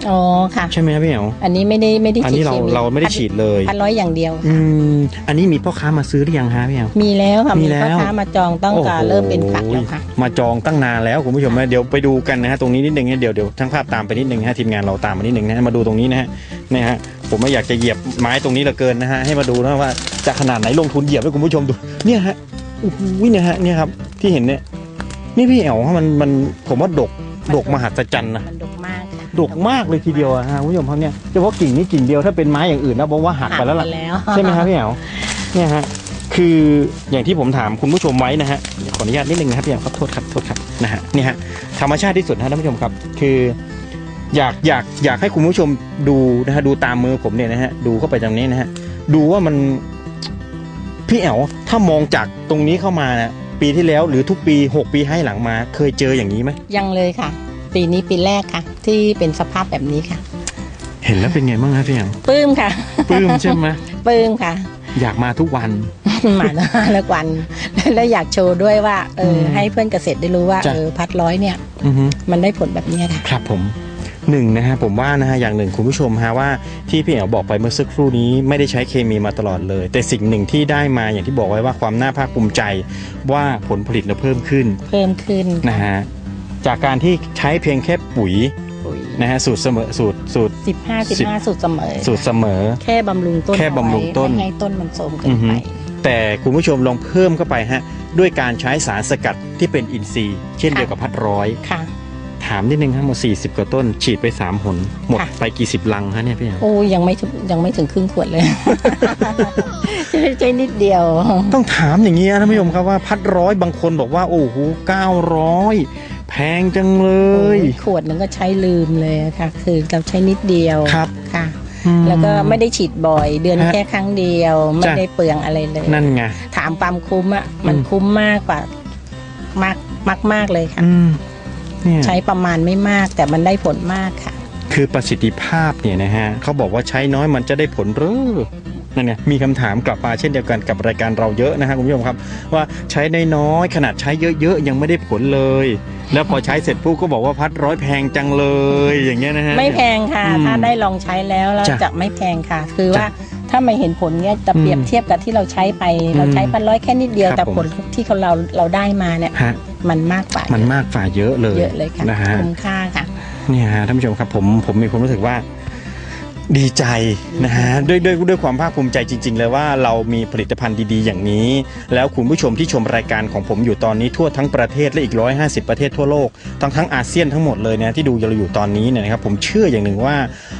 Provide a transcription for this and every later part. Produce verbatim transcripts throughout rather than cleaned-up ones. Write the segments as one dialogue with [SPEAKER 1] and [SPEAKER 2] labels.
[SPEAKER 1] อ๋อค่ะ
[SPEAKER 2] ใช่ไหมครับพี่แอ๋ว
[SPEAKER 1] อันนี้ไม่ได้ไม่ได้
[SPEAKER 2] อันนี้เราเราไม่ได้ฉีดเลย
[SPEAKER 1] พันร้อยอย่างเดียว
[SPEAKER 2] อืมอันนี้มีพ่อค้ามาซื้อหรือยังฮะพี่แอ๋ว
[SPEAKER 1] มีแล้วค่ะ
[SPEAKER 2] มี
[SPEAKER 1] มี
[SPEAKER 2] แล้ว
[SPEAKER 1] พ่อค้ามาจองตั้งแต่เริ่มเป็นฝักแล้วค่ะ
[SPEAKER 2] มาจองตั้งนานแล้วคุณผู้ชมนะเดี๋ยวไปดูกันนะฮะตรงนี้นิดนึงเดี๋ยวเดี๋ยวทั้งภาพตามไปนิดนึงฮะทีมงานเราตามมานิดนึงนะมาดูตรงนี้นะฮะนี่ฮะผมไม่อยากจะเหยียบไม้ตรงนี้เหลือเกินนะฮะให้มาดูนะว่าจะขนาดไหนลงทุนเหยียบให้คุณผู้ชมดูเนี่ยฮะโอ้โหเนี่ยฮะเนี่ยครับที่เห็นเนี่ยนี่พี่แอ๋วมันมันผมว่าดกดกมหัศจรรย์นะ
[SPEAKER 1] มันดกมากค่ะ
[SPEAKER 2] ดกมากเลยทีเดียวฮะคุณผู้ชมครับเนี่ยเฉพาะกิ่งนี้กิ่งเดียวถ้าเป็นไม้อย่างอื่นนะผมว่าหักไปแล้วล่ะใช่ไหมครับพี่แอ๋วเนี่ยฮะคืออย่างที่ผมถามคุณผู้ชมไว้นะฮะขออนุญาตนิดนึงนะครับพี่แอ๋วครับโทษครับโทษครับนะฮะนี่ฮะธรรมชาติที่สุดนะท่านผู้ชมครับคืออยากอยากอยากให้คุณผู้ชมดูนะฮะดูตามมือผมเนี่ยนะฮะดูเข้าไปตรงนี้นะฮะดูว่ามันพี่แอ๋วถ้ามองจากตรงนี้เข้ามานะปีที่แล้วหรือทุกปีหกปีให้หลังมาเคยเจออย่างนี้ไหม
[SPEAKER 1] ยังเลยค่ะปีนี้ปีแรกค่ะที่เป็นสภาพแบบนี้ค่ะ
[SPEAKER 2] เห็นแล้วเป็นไงบ้างครับพี่แอ๋ว
[SPEAKER 1] ปลื้มค่ะ
[SPEAKER 2] ปลื้มใช่ไหม
[SPEAKER 1] ปลื้มค่ะ
[SPEAKER 2] อยากมาทุกวัน
[SPEAKER 1] มาทุกวันแล้วอยากโชว์ด้วยว่าเออให้เพื่อนเกษตรได้รู้ว่าเออพัดร้อยเนี่ยมันได้ผลแบบนี้ค่ะ
[SPEAKER 2] ครับผมหนึ่งนะฮะผมว่านะฮะอย่างหนึ่งคุณผู้ชมฮะว่าที่พี่แอ๋วบอกไปเมื่อสักครู่นี้ไม่ได้ใช้เคมีมาตลอดเลยแต่สิ่งหนึ่งที่ได้มาอย่างที่บอกไว้ว่าความน่าภาคภูมิใจว่าผลผลิตเราเพิ่มขึ้น
[SPEAKER 1] เพิ่มขึ้น
[SPEAKER 2] นะฮะจากการที่ใช้เพียงแค่ปุ๋ยนะฮะสูตรเสมอสูตรสูตร
[SPEAKER 1] สิบห้าสิบห้าสูตรเสมอ
[SPEAKER 2] สูตรเสมอ
[SPEAKER 1] แค่บำรุงต้น
[SPEAKER 2] แค่บำรุงต้น
[SPEAKER 1] ให้ต้นมันโทรมเกินไป
[SPEAKER 2] แต่คุณผู้ชมลองเพิ่มเข้าไปฮะด้วยการใช้สารสกัดที่เป็นอินทรีย์เช่นเดียวกับพัดร้อย
[SPEAKER 1] ค่ะ
[SPEAKER 2] ถามนิดนึงครับหมดสี่สิบกว่าต้นฉีดไปสามหนหมดไปกี่สิบลังฮะเนี่ยพี่
[SPEAKER 1] โอ้ยังไม่ยังไม่ถึงครึ่งขวดเลยใช้นิดเดียว
[SPEAKER 2] ต้องถามอย่างนี้นะท่านผู้ชมครับว่าพัดร้อยบางคนบอกว่าโอ้โหเก้าร้อยแพงจังเลย
[SPEAKER 1] ขวดนึงก็ใช้ลืมเลยค่ะคือเราใช้นิดเดียว
[SPEAKER 2] ครับ
[SPEAKER 1] ค่ะแล้วก็ไม่ได้ฉีดบ่อยเดือนแค่ครั้งเดียวไม่ได้เปลืองอะไรเลย
[SPEAKER 2] นั่นไง
[SPEAKER 1] ถามความคุ้มอ่ะมันคุ้มมากกว่ามากมากมากเลยค่ะใช้ประมาณไม่มากแต่มันได้ผลมากค่ะ
[SPEAKER 2] คือประสิทธิภาพเนี่ยนะฮะเขาบอกว่าใช้น้อยมันจะได้ผลหรือนั่นไงมีคำถามกลับมาเช่นเดียวกันกับรายการเราเยอะนะฮะคุณผู้ชมครับว่าใช้น้อยขนาดใช้เยอะๆยังไม่ได้ผลเลยแล้วพอใช้เสร็จปุ๊บก็บอกว่าพัดร้อยแพงจังเลยอย่างเงี้ยนะฮะ
[SPEAKER 1] ไม่แพงค่ะถ้าได้ลองใช้แล้วเราจะไม่แพงค่ะคือว่าถ้าไม่เห็นผลเนี้ยจะเปรียบเทียบกับที่เราใช้ไปเราใช้พันร้อยแค่นิดเดียวแต่ผลที่เขาเราเราได้มาเนี่ยมันมากกว่า
[SPEAKER 2] มันมากกว่าเยอะเลย
[SPEAKER 1] เยอะเลยค่ะ
[SPEAKER 2] นะฮะ
[SPEAKER 1] คุ้มค่าค่ะ
[SPEAKER 2] เนี่ยท่านผู้ชมครับผมผมมีความรู้สึกว่าดีใจนะฮะด้วยด้วยด้วยความภาคภูมิใจจริงๆเลยว่าเรามีผลิตภัณฑ์ดีๆอย่างนี้แล้วคุณผู้ชมที่ชมรายการของผมอยู่ตอนนี้ทั่วทั้งประเทศและอีกหนึ่งร้อยห้าสิบประเทศทั่วโลกทั้งทั้งอาเซียนทั้งหมดเลยนะที่ดูเราอยู่ตอนนี้เนี่ยนะครับผมเชื่ออย่างหนึ่งว่า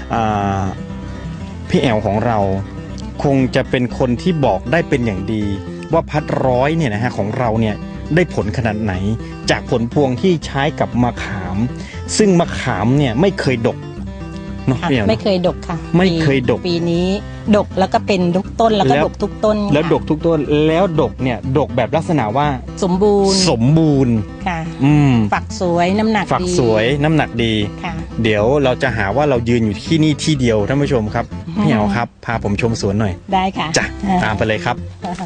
[SPEAKER 2] พี่แอลของเราคงจะเป็นคนที่บอกได้เป็นอย่างดีว่าพัดร้อยเนี่ยนะฮะของเราเนี่ยได้ผลขนาดไหนจากผลพวงที่ใช้กับมะขามซึ่งมะขามเนี่ยไม่เคยดก
[SPEAKER 1] ไม่เคยดกค่ะ
[SPEAKER 2] ไม่เคยดก
[SPEAKER 1] ปีนี้ดกแล้วก็เป็นทุกต้นแล้วก็ดกทุกต้น
[SPEAKER 2] แล้วดกทุกต้นแล้วดกเนี่ยดกแบบลักษณะว่า
[SPEAKER 1] สมบูรณ์
[SPEAKER 2] สมบูรณ์
[SPEAKER 1] ค่ะอืมฝักสวยน้ำหนักดี
[SPEAKER 2] ฝักสวยน้ำหนักดี
[SPEAKER 1] ค่ะ
[SPEAKER 2] เดี๋ยวเราจะหาว่าเรายืนอยู่ที่นี่ที่เดียวท่านผู้ชมครับพี่เอาครับพาผมชมสวนหน่อย
[SPEAKER 1] ได้ค่ะ
[SPEAKER 2] จ้ะตามไปเลยครับ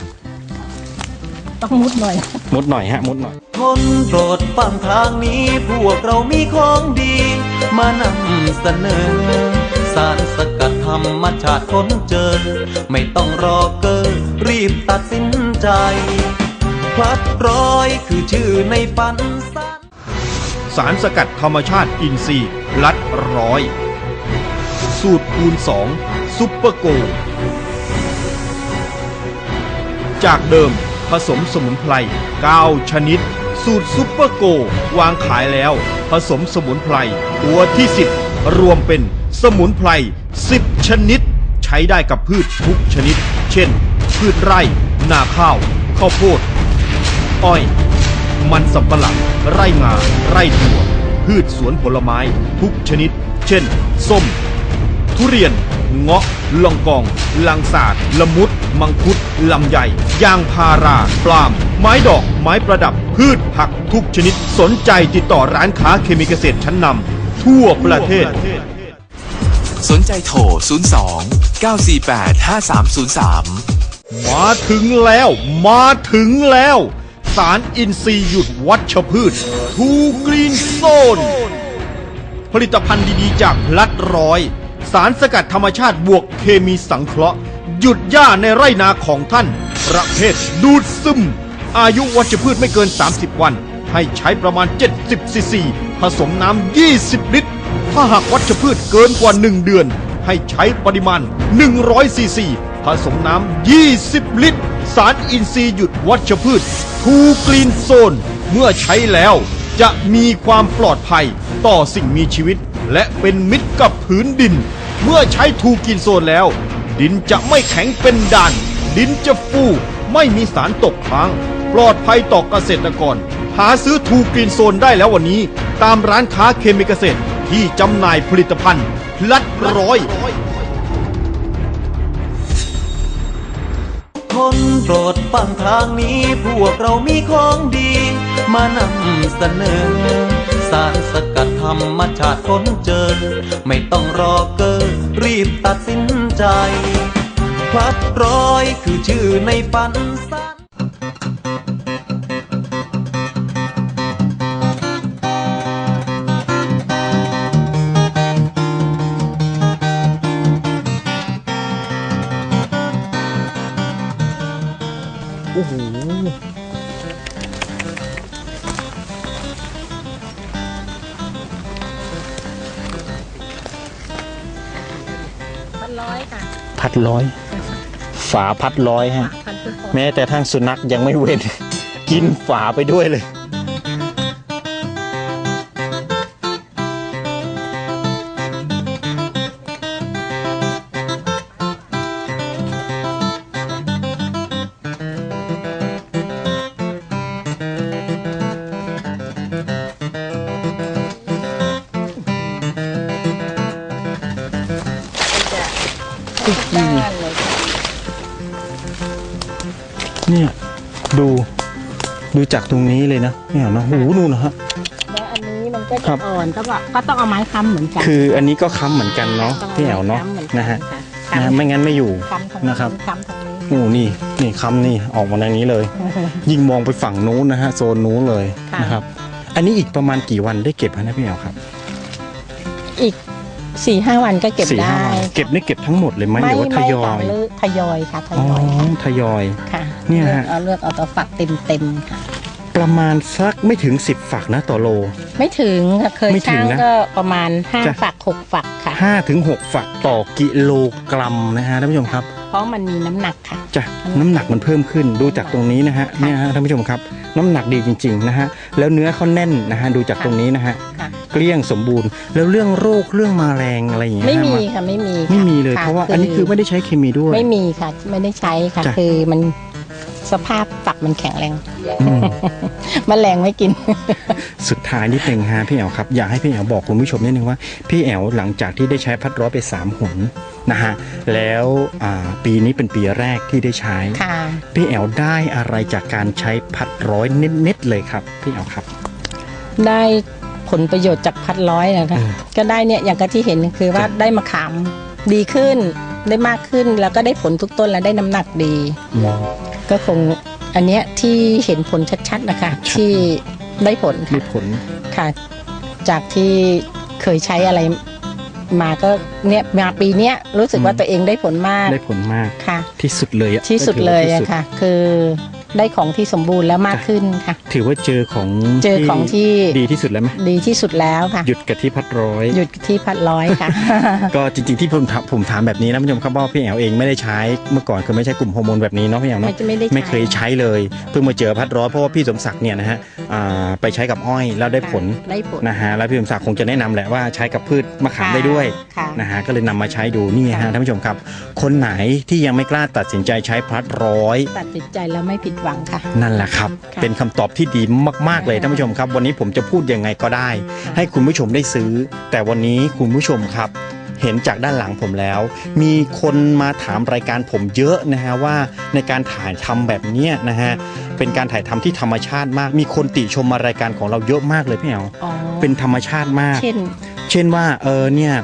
[SPEAKER 1] ต้องมุดหน่อย
[SPEAKER 2] มุดหน่อยฮะมุดหน่อย
[SPEAKER 3] คนโปรดฟังทางนี้พวกเรามีของดีมานำเสนอสารสกัดธรรมชาติค้นเจอไม่ต้องรอเกอรีบตัดสินใจพลัดร้อยคือชื่อในฝันสั้น
[SPEAKER 4] สารสกัดธรรมชาติอินทรีย์ลัดร้อยสูตรคูณสองซุปเปอร์โกจากเดิมผสมสมุนไพรเก้าชนิดสูตรซุปเปอร์โกวางขายแล้วผสมสมุนไพรตัวที่สิบรวมเป็นสมุนไพรสิบชนิดใช้ได้กับพืชทุกชนิดเช่นพืชไร่นาข้าวข้าวโพดอ้อยมันสำปะหลังไร่งาไร่ถั่วพืชสวนผลไม้ทุกชนิดเช่นส้มทุเรียนเงาะลองกองลังสาดละมุดมังคุดลำไยยางพาราปลาล์มไม้ดอกไม้ประดับพืชผักทุกชนิดสนใจติดต่อร้านค้าเคมีเกษตรชั้นนำทั่วประเทศ
[SPEAKER 5] สนใจโทรศูนย์ สอง เก้า สี่ แปด ห้า สาม ศูนย์ สาม
[SPEAKER 4] มาถึงแล้วมาถึงแล้วสารอินทรีย์หยุดวัชพืชทูกรีนโซนผลิตภัณฑ์ดีๆจากพลัดร้อยสารสกัดธรรมชาติบวกเคมีสังเคราะห์หยุดหญ้าในไร่นาของท่านประเภทดูดซึมอายุวัชพืชไม่เกินสามสิบวันให้ใช้ประมาณเจ็ดสิบซีซีผสมน้ำยี่สิบลิตรถ้าหากวัชพืชเกินกว่าหนึ่งเดือนให้ใช้ปริมาณหนึ่งร้อยซีซีผสมน้ำยี่สิบลิตรสารอินทรีย์หยุดวัชพืชทูกรีนโซนเมื่อใช้แล้วจะมีความปลอดภัยต่อสิ่งมีชีวิตและเป็นมิตรกับพื้นดินเมื่อใช้ทูกรีนโซนแล้วดินจะไม่แข็งเป็นด่านดินจะฟูไม่มีสารตกค้างปลอดภัยต่อเกษตรกรหาซื้อทูกรีนโซนได้แล้ววันนี้ตามร้านค้าเคมีเกษตรที่จำหน่ายผลิตภัณฑ์พลัดร้อย
[SPEAKER 3] คนโปรดฟังทางนี้พวกเรามีของดีมานำเสนอสารสกัดธรรมชาติค้นเจอไม่ต้องรอเกอรีบตัดสินใจพลัดร้อยคือชื่อในฝันสาร
[SPEAKER 2] โอ้โห
[SPEAKER 1] พันร้อยค่ะ
[SPEAKER 2] พัดร้อยฝาพัดร้อยฮะ
[SPEAKER 1] พันร้อย
[SPEAKER 2] แม้แต่ทางสุนัขยังไม่เว้น กินฝาไปด้วยเลย
[SPEAKER 1] ด้านเลยค่ะ
[SPEAKER 2] เนี่ยดูดูจากตรงนี้เลยนะเนี่ยนะหูนู่นนะฮะ
[SPEAKER 1] แล้วอันนี้มันก็
[SPEAKER 2] ครั
[SPEAKER 1] จะ
[SPEAKER 2] บ
[SPEAKER 1] อ่อนก็ก็ก็ต้องเอาไม้ค้ำเหมือนกัน
[SPEAKER 2] คืออันนี้ก็ค้ำเหมือนกันเนาะ
[SPEAKER 1] ต้อง
[SPEAKER 2] พี่แอ๋วเนาะ
[SPEAKER 1] ค้ำหมือกั
[SPEAKER 2] นะฮะ
[SPEAKER 1] ค่
[SPEAKER 2] นะไม่งั้นไม่อยู่
[SPEAKER 1] ค้ำตรง
[SPEAKER 2] นะครับ
[SPEAKER 1] ค้ำตรงนี้
[SPEAKER 2] โอ้นี่นี่ค้ำนี่ออกมาทางนี้เลย ยิ่งมองไปฝั่งนู้นนะฮะโซนนู้นเลย
[SPEAKER 1] ค่ะ
[SPEAKER 2] นะครับ อันนี้อีกประมาณกี่วันได้เก็บนะพี่แอ๋วครับ
[SPEAKER 1] อีกสี่ห้าวันก็เก็บ
[SPEAKER 2] สี่
[SPEAKER 1] ได้
[SPEAKER 2] ห้าวันเก็บนี่เก็บทั้งหมดเลยไหมหรือว่าทยอ
[SPEAKER 1] ค่ะ
[SPEAKER 2] ย
[SPEAKER 1] หรือทยอยค่ะท
[SPEAKER 2] อ๋อย
[SPEAKER 1] อยค่ะ
[SPEAKER 2] ทยอย
[SPEAKER 1] ค่ะ
[SPEAKER 2] เนี่ย
[SPEAKER 1] เลือก
[SPEAKER 2] ฮะ
[SPEAKER 1] เอาเลือกเอาตัวฝักเต็มเต็มๆค่ะ
[SPEAKER 2] ประมาณสักไม่ถึงสิบฝักนะต่อโล
[SPEAKER 1] ไม่ถึงค่ะเคย
[SPEAKER 2] ไม่ถึ
[SPEAKER 1] ช่างง
[SPEAKER 2] นะ
[SPEAKER 1] ก็ประมาณห้า
[SPEAKER 2] จ้ะ
[SPEAKER 1] ฝักหกฝักค่ะ
[SPEAKER 2] ห้าถึงหกฝักต่อกิโลกรัมนะฮะท่านผู้ชมครับ
[SPEAKER 1] เพราะมันมีน้ำหนักค่ะ
[SPEAKER 2] จ้ะน้ำหนักมันเพิ่มขึ้นดูจากตรงนี้นะฮะเนี่ยฮะท่านผู้ชมครับน้ำหนักดีจริงๆนะฮะแล้วเนื้อเขาแน่นนะฮะดูจากตรงนี้นะฮะ
[SPEAKER 1] ค่ะ
[SPEAKER 2] เกลี้ยงสมบูรณ์แล้วเรื่องโรคเรื่องแมลงอะไรอย่างเงี้ย
[SPEAKER 1] ไม่มี
[SPEAKER 2] ฮะ
[SPEAKER 1] ค่ะไม่มีค่
[SPEAKER 2] ไม่มีเลย
[SPEAKER 1] ค่
[SPEAKER 2] เพราะว่าอันนี้คือไม่ได้ใช้เคมีด้วย
[SPEAKER 1] ไม่มีค่ะไม่ได้ใช้ค่ะ
[SPEAKER 2] จ้ะ
[SPEAKER 1] คือมันสภาพฝักมันแข็งแรง
[SPEAKER 2] อืม
[SPEAKER 1] แมลงไม่กิน
[SPEAKER 2] สุดท้ายนิดนึงฮะพี่แอ๋วครับอยากให้พี่แอ๋วบอกคุณผู้ชมนิดนึงว่าพี่แอ๋วหลังจากที่ได้ใช้พัดร้อยไปสามหนนะฮะแล้วอ่าปีนี้เป็นปีแรกที่ได้ใช้
[SPEAKER 1] ค่ะ
[SPEAKER 2] พี่แอ๋วได้อะไรจากการใช้พัดร้อยเน็ตๆเลยครับพี่แอ๋วครับ
[SPEAKER 1] ได้ผลประโยชน์จากพัดร้อยนะคะ
[SPEAKER 2] อืม
[SPEAKER 1] ก็ได้เนี่ยอย่างกับที่เห็นคือว่า
[SPEAKER 2] จ้ะ
[SPEAKER 1] ได้มะขามดีขึ้นได้มากขึ้นแล้วก็ได้ผลทุกต้นแล้วได้น้ำหนักดี ก็คงอันเนี้ยที่เห็นผลชัดๆนะคะ
[SPEAKER 2] ชัด
[SPEAKER 1] ที่ได้ผล
[SPEAKER 2] มี
[SPEAKER 1] ค่ะ
[SPEAKER 2] ผล
[SPEAKER 1] ค่ะ จากที่เคยใช้อะไรมาก็เนี่ยมาปีเนี้ยรู้สึกว่าตัวเองได้ผลมาก
[SPEAKER 2] ได้ผลมาก
[SPEAKER 1] ค่ะ
[SPEAKER 2] ที่สุดเลยอะ
[SPEAKER 1] ที่สุดเลย
[SPEAKER 2] ที่
[SPEAKER 1] อะ
[SPEAKER 2] สุด
[SPEAKER 1] ค่ะ คือได้ของที่สมบูรณ์แล้วมากขึ้นค่ะ
[SPEAKER 2] ถือว่าเจอของ
[SPEAKER 1] เจอของที่
[SPEAKER 2] ดีที่สุดแล้วไหม
[SPEAKER 1] ดีที่สุดแล้วค่ะ
[SPEAKER 2] หยุดกับที่พัดร้อย
[SPEAKER 1] หยุดที่พัดร้อยค่ะ
[SPEAKER 2] ก็จริงๆที่ผมถามผมถามแบบนี้นะผู้ชมครับว่าพี่แอ๋วเองไม่ได้ใช้เมื่อก่อนคือไม่ใช่กลุ่มฮอร์โมนแบบนี้เนาะพี่แอ๋ว
[SPEAKER 1] ไม่
[SPEAKER 2] เนาะ
[SPEAKER 1] ไม่ได้ใช้
[SPEAKER 2] ไม่เคยใช้เลยเพิ่งมาเจอพัดร้อยเพราะว่าพี่สมศักดิ์เนี่ยนะฮะอ่าไปใช้กับอ้อยแล้วได้ผล
[SPEAKER 1] ได้ผล
[SPEAKER 2] นะฮะแล้วพี่สมศักดิ์คงจะแนะนำแหละว่าใช้กับพืชมะขามได้ด้วย
[SPEAKER 1] ค่ะ
[SPEAKER 2] นะฮะก็เลยนำมาใช้ดูนี่ฮะ
[SPEAKER 1] ค่ะ
[SPEAKER 2] ท่านผู้ชมครับ คนไหนที่ยังไม่กล้าตัดสินใจใช้พัดร้อย
[SPEAKER 1] ตัดสินใจแล้วไม่ผิดหวังค่ะ
[SPEAKER 2] นั่นแหละครับ
[SPEAKER 1] ค่ะ
[SPEAKER 2] เป็นคำตอบที่ดีมากๆเลยท่านผู้ชมครับ วันนี้ผมจะพูดยังไงก็ได้
[SPEAKER 1] ค่ะ
[SPEAKER 2] ให้คุณผู้ชมได้ซื้อ แต่วันนี้คุณผู้ชมครับ เห็นจากด้านหลังผมแล้ว มีคนมาถามรายการผมเยอะนะฮะว่าในการถ่ายทำแบบเนี้ยนะฮะเป็นการถ่ายทำที่ธรรมชาติมาก มีคนติชมมารายการของเราเยอะมากเลยพี่แอ๋ว
[SPEAKER 1] อ๋อ
[SPEAKER 2] เป็นธรรมชาติมาก
[SPEAKER 1] เช่น
[SPEAKER 2] เช่นว่าเออเนี่ยค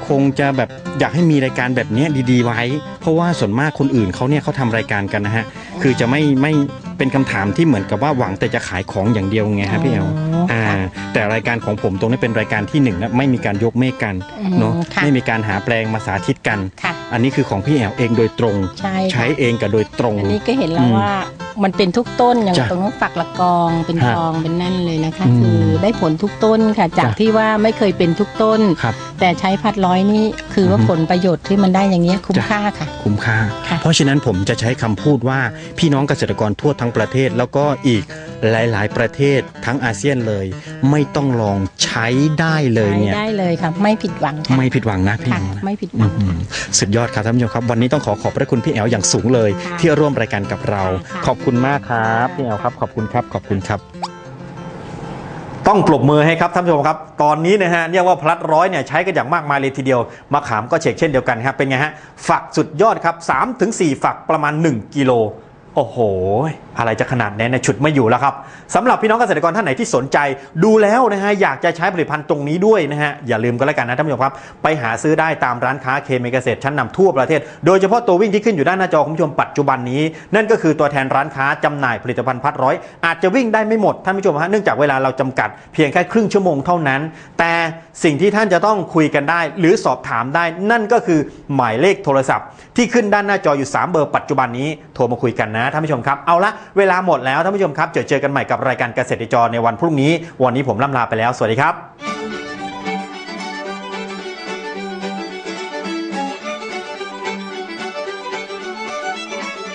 [SPEAKER 2] คงจะแบบอยากให้มีรายการแบบนี้ดีๆไว้ เพราะว่าส่วนมากคนอื่นเขาเนี่ยเขาทำรายการกันนะฮะคือจะไม่ไม่เป็นคำถามที่เหมือนกับว่าหวังแต่จะขายของอย่างเดียวไงฮะพี่แอลอ่าแต่รายการของผมตรงนี้เป็นรายการที่หนึ่งนะไม่มีการยกเมฆกันเนาะไม่มีการหาแปลงมาสาธิตกันอันนี้คือของพี่แอลเองโดยตรงใช้ใช้เองกับโดยตรง
[SPEAKER 1] อันนี้ก็เห็นแล้วว่ามันเป็นทุกต้นอย่างตรงนู้นฝักละกองเป็นกองเป็นนั่นเลยนะคะคือได้ผลทุกต้นค่ะจากที่ว่าไม่เคยเป็นทุกต้นแต่ใช้พัดร้อยนี่คือว่าผลประโยชน์ที่มันได้อย่างเงี้ยคุ้มค่าค่ะ
[SPEAKER 2] คุ้มค่าเพราะฉะนั้นผมจะใช้คำพูดว่าพี่น้องเกษตรกรทั่วทั้งประเทศแล้วก็อีกหลายๆประเทศทั้งอาเซียนเลยไม่ต้องลองใช้ได้เลยเนี่ย
[SPEAKER 1] ได้เลยครับไม่ผิดหวังค่ะ
[SPEAKER 2] ไม่ผิดหวังนะพี่
[SPEAKER 1] ไม่ผิดหวัง
[SPEAKER 2] สุดยอดครับท่านผู้ชมครับวันนี้ต้องขอขอบพระคุณพี่แอลอย่างสูงเลยที่ร่วมรายการกับเราขอบคุณมากครับพี่แอลครับขอบคุณครับขอบคุณครับต้องปรบมือให้ครับท่านผู้ชมครับตอนนี้นะฮะเรียกว่าพลัดร้อยเนี่ยใช้กันอย่างมากมายเลยทีเดียวมะขามก็เช็คเช่นเดียวกันครับเป็นไงฮะฝักสุดยอดครับ สามถึงสี่ ฝักประมาณหนึ่งกิโลโอ้โหอะไรจะขนาดนี้เนี่ยฉุดไม่อยู่แล้วครับสำหรับพี่น้องเกษตรกรท่านไหนที่สนใจดูแล้วนะฮะอยากจะใช้ผลิตภัณฑ์ตรงนี้ด้วยนะฮะอย่าลืมก็แล้วกันนะท่านผู้ชมครับไปหาซื้อได้ตามร้านค้าเคมีเกษตรชั้นนำทั่วประเทศโดยเฉพาะตัววิ่งที่ขึ้นอยู่ด้านหน้าจอคุณผู้ชมปัจจุบันนี้นั่นก็คือตัวแทนร้านค้าจำหน่ายผลิตภัณฑ์พัดร้อยอาจจะวิ่งได้ไม่หมดท่านผู้ชมฮะเนื่องจากเวลาเราจำกัดเพียงแค่ครึ่งชั่วโมงเท่านั้นแต่สิ่งที่ท่านจะต้องคุยกันได้หรือสอบถามได้นั่นก็คือหมายเลขโทรศัพท์ที่ขึ้นด้านหน้าจออยู่สามเบอร์ปัจจุบันนี้โทรมาคุยกันนะท่านผู้ชมครับเอาละเวลาหมดแล้วท่านผู้ชมครับเจอเจอกันใหม่กับรายการเกษตรจรในวันพรุ่งนี้วันนี้ผมล่ำลาไปแล้วสวัสดีครับ